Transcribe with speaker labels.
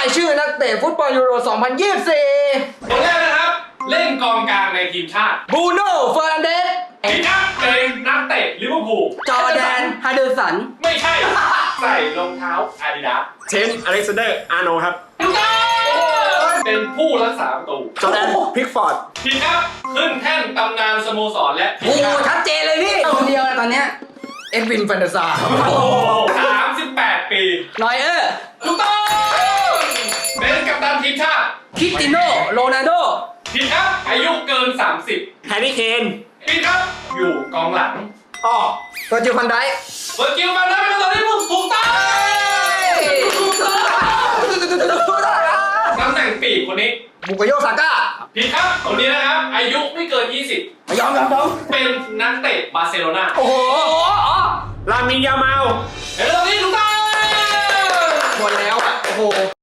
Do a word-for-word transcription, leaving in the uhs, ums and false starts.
Speaker 1: ายชื่อนักเตะฟุตบอลยูโร สองพันยี่สิบสี่
Speaker 2: คนแรกนะครับ เล่นกองกลางในทีมชาติ
Speaker 1: บรูโน่เฟอร์นันเดส
Speaker 2: ผิดครับเป็นนักเตะลิเวอร์พูล
Speaker 1: จอร์แดนฮาเดอร์สัน
Speaker 2: ไม่ใช่ ใส่รองเท้าอาดิดาส
Speaker 3: เชนอเล็กซานเดอร์อาร์โนครับ
Speaker 2: ถูกต้องเป็นผู้รักษาประตู
Speaker 3: จอร์แดนพิกฟอร์ด
Speaker 2: ผิดครับขึ้นแท่นตำนานสโมสรและที
Speaker 1: โอ้
Speaker 2: ม
Speaker 1: โห
Speaker 2: ชาติ
Speaker 1: ชัดเจนเลยพี่คนเดียวนะตอนเนี้ยเอ็ดวินแฟนตาซา
Speaker 2: สามสิบแปดปี
Speaker 1: นอยเออร์
Speaker 2: ถูกต้องเป็นกัปตันทีมชาติ
Speaker 1: คริสติโนโรนัลโด
Speaker 2: ผิดครับอายุเกิน สามสิบ
Speaker 3: แฮร์รี่เคน
Speaker 2: ผิดครับอยู่กองหลัง
Speaker 3: อ้อ
Speaker 1: เวอร์จิลvanไดค์
Speaker 2: เวอร์กิลมันได้เป็นตัวที่ถูกต้องตำแหน่งปีกคนนี้
Speaker 1: บุกโยซาก้า
Speaker 2: ผิดครับคนนี้นะครับ อายุไม่เกิน ยี่สิบ
Speaker 1: ไม่ยอมยอมยอม
Speaker 2: เป็นนักเตะบาร์เซโลนา
Speaker 1: โอ้โห
Speaker 3: ลามินยามาล
Speaker 2: เดี๋ยวตรงนี้ถูกต้อง
Speaker 1: หมดแล้วอ่ะ โอ้โห